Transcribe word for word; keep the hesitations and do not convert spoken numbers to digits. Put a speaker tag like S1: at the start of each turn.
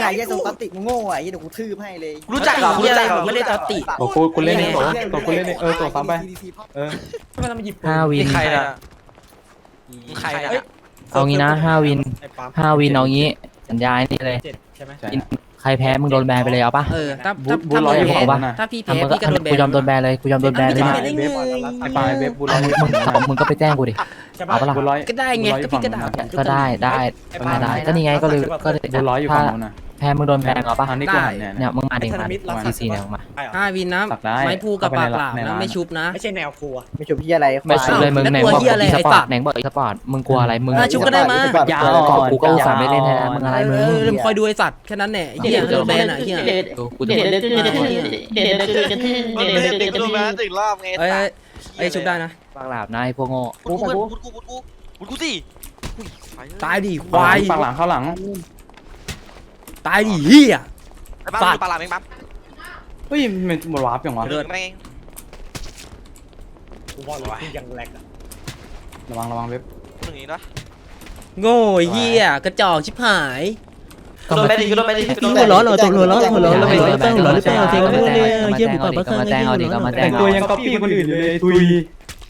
S1: ไอ้เหี้ยโซตัสติมึงโง่อ่ะไอ้เหี้ยเดี๋ยวกูทืบให้เลย
S2: รู้จักเหรอรู้จักเหรอ
S3: ไม่ได้ตอติ
S4: ตัวกูกูเล่นเองตัวตัวกูเล่นเองเออตัวซ้ำไปเออ
S5: ห้าวิน
S2: ใครนะใครนะ
S5: เอางี้นะห้าวินห้าวินเอางี้สัญญานี่เลย
S4: ใช่
S5: ใครแพ้มึงโดนแบนไปเลยเอาปะ
S3: เออถ้า
S4: บู
S3: ถ้า
S4: บู
S3: ถ้า
S4: ร้อย
S3: มึง
S4: ขอ
S3: แพ้
S4: งบ้านนะ
S3: ถ้าพี่
S5: อ่ะ
S3: แพ้
S5: มึงก็
S3: พี่ก็โดนแบน
S5: กูยอมโดนแบนเลยกูยอมโดนแบนเลย
S3: ไม่
S5: นะ
S3: ได้
S4: เว็บไอ้ปลายเว็บบูร้อย
S5: มึงมึงก็ไปแจ้งกูดิเอาปะล่ะ
S4: บูร้อย
S3: ก็ได้ไงก็พี่ก็ด่าผม
S5: ก็ได้ได้ได้ได้ก็นี่ไงก็เลยก็เลย
S4: บูร้อยอยู่ฝั่งนู้นนะ
S5: แพ้มึงโดนแบนเอาปะ
S4: ทางนี้กูหันเนี่ย
S5: เนี่ยมึงมาดิมาซีซีเนี่ยมึงมา
S3: ห้าวินนะ
S4: สักได้
S3: ไม้พูกับปากเปล่า
S4: ในร้า
S3: นะ
S4: น
S3: ไม่ชุบนะ
S6: ไม่ใช่แนวครัว
S1: ไม่ชมพี่อะไร
S5: ไม่ชุบเลยมึงไหนบอก
S3: แล้วกลัวเหี้ยอะไร
S5: อีส
S3: ไอ้
S5: ปอ
S3: สั
S5: ร์
S3: ต
S5: ต
S3: ว์
S5: ไหนบอกอีสปอร์ตมึงกลัวอะไรมึง
S3: อ่ะชุบก็ได้มา
S4: ยาว
S5: กอบกูก็อุตส่าห์ไม่เล่นให้นะมึงอะไรมึง
S3: เออคอยดูไอ้สัตว์แค่นั้นแหละไอ้เหี้ยโดนแบนอ่ะไอ้เหี้ย
S5: ดูกูจะ
S7: เด็ดเด็ดเด็ดเด็ดเด็ดเด็ดเด็ดเด็ด
S2: มัน
S7: เด็ด
S2: ไม่
S7: เด็
S2: ได้
S7: ด
S2: ติด
S7: เด็ด
S2: กูโดนมาถึงรอบไง
S3: เอ้ยเอ้ยชุบได้นะ
S5: ปากหลาบนายพวกโง่
S2: กูกูกูกูกูกูกูสิ
S3: ตายดิควาย
S4: ฝั่งหลังเข้าหลัง
S3: ตายดิเหี้ย
S2: ไอ้บ้าปลาหลามเองปั๊บ
S4: เฮ้ยมันหมดวาร์ปอย่างวะ
S2: เดินไปเอง
S6: กูว่าเลยคือยังแหลกอะ
S4: ระวังระวังเว็บ
S2: ตรงนี้นะ
S3: โง่ไอ้เหี้ยกระจอกชิบหาย
S2: โดนไปดิโดนไปดิโดน
S3: หัว
S2: ไป
S3: ร้อนเหรอตกหัวร้อนหัวร้อน
S5: อย่า
S3: หัวร้อน
S5: อย่า
S3: หัวร้อนหัวร้อนหัวร้อนหัวร้อนหัวร้อน
S5: ก็มาแจ้งเอาดิก็มาแจ้งเอาดิก็มาแจ้ง
S4: แต่ง
S5: เอา
S4: ตัว
S5: ดิ
S4: ยังก๊อปปี้คนอื่นอยู่เลยทุย